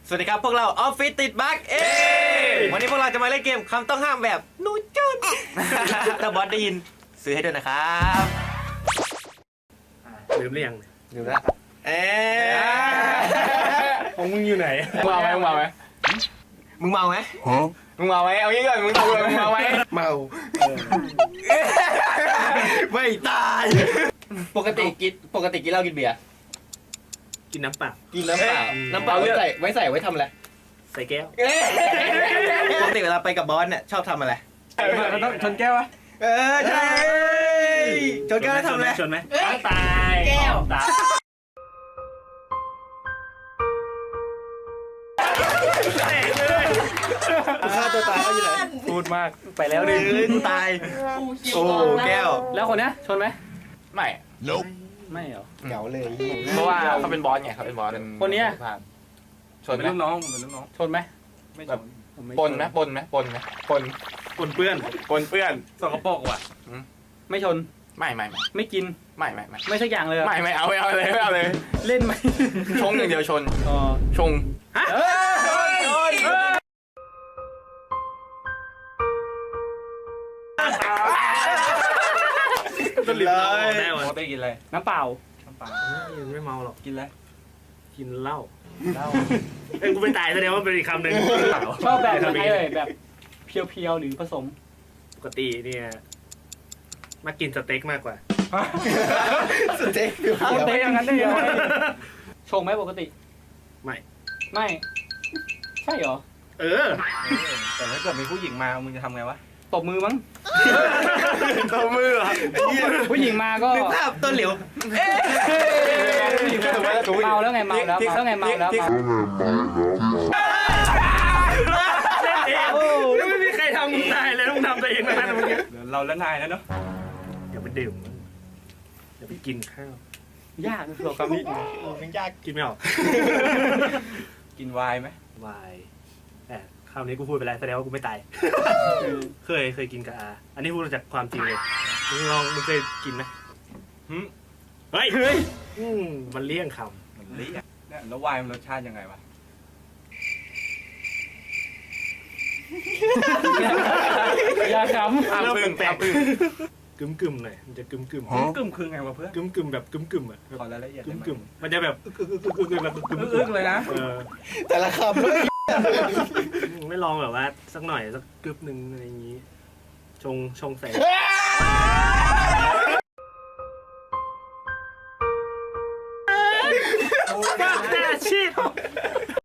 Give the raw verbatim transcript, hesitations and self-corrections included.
สวัสดีครับพวกเราออฟฟิศติดบั๊กเอ้วันนี้พวกเราจะมาเล่นเกมคำต้องห้ามแบบหนูจนถ้าบอสได้ยินซื้อให้ด้วยนะครับลืมหรือยังลืมแล้วเอ๊ของมึงอยู่ไหนมึงเมาไหมมึงเมาไหมมึงเมาไหมมึงเมาไหมเอางี้ก่อนมึงตอบเลยมึงเมาไหมเมาไม่ตายปกติกินปกติกินเหล้ากินเบียร์กินน้ำเปล่ากินน้ำเปล่าน้ำเปล่าไว้ใส่ไว้ใส่ไว้ทำอะไรใส่แก้วปกติเวลาไปกับบอสเนี่ยชอบทำอะไรเราต้องชนแก้ววะเออใช่ชนแก้วแล้วทำอะไรชนไหมตายแก้วตายฆ่าตัวตายเขาอยู่ไหนพูดมากไปแล้วดิกูตายโอ้แก้วแล้วคนเนี้ยชนไหมไม่ Nope ไม่เหรอเหงาเลยเพราะว่าเขาเป็นบอสไงเขาเป็นบอสคนเนี้ยชนเป็นไหมลูกน้องเป็นลูกน้องชนไหมไม่ชนปนไหมปนไหมปนไหมปนปนเปื้อนปนเปื้อนสกปรกว่ะไม่ชนไม่ไม่ไม่ไม่กินไม่ไม่ไม่ไม่สักอย่างเลยไม่ไม่เอาไม่เอาเลยไม่เอาเลยเล่นไหมชงอย่างเดียวชนอ๋อชงก็ลืมเราออกแน่ปวะกติกินอะไรน้ำเปล่ายังไม่เมาหรอกกินอะไรกินเหล้าเหล้าเอ้ยกูไม่ตายแสดงว่าเป็นอีกคำหนึ่งชอบแบบไหนเลยแบบเพียวๆหรือผสมปกติเนี่ยมากินสเต็กมากกว่าสเต็กเอาเตะอย่างนั้นได้ยังไงชงไหมปกติไม่ไม่ใช่เหรอเออแต่ถ้าเกิดมีผู้หญิงมามึงจะทำไงวะตบมือมั้งตัวมือผู้หญิงมาก็นึกภาพต้นเหลียวเมาแล้วไงเมาแล้วแล้วไงเมาแล้วเมาโอ้ยไม่มีใครทำมึงตายเลยต้องทำตัวเองนะเมื่อกี้เราและนายแล้วเนาะอย่าไปดื่มอย่าไปกินข้าวยากสำหรับคำนี้มันยากกินไม่ออกกินไวน์ไหมวายแต่คราวนี้กูพูดไปแล้วแสดงว่ากูไม่ตาย เคยเคยกินกับอาอันนี้พูดจากความจริงเลยมึงลองมึงเคยกินไหมเฮ้ยเฮ้ยอืมมันเลี่ยงคมันเละเนี่ยแล้วไวน์มันรสชาติยังไงวะอย่าขำำเริ่มแปลกปึ้งๆกึมกึมๆหน่อยมันจะกึมกึมกึ่มคือไงวะเพื่อนกึมกึมๆแบบกึมกึมๆอ่ะขอรายละเอียดกึได้มไหมกึมๆมันจะแบบอึกอึกอึกอึกอึกอึกแบบกึมอึ้งเลยนะเออแต่ละคำเลยไม่ลองแบบว่าสักหน่อยสักกึบหนึ่งอะไรอย่างนี้ ชงชงใส่บ้าแต่ชีพ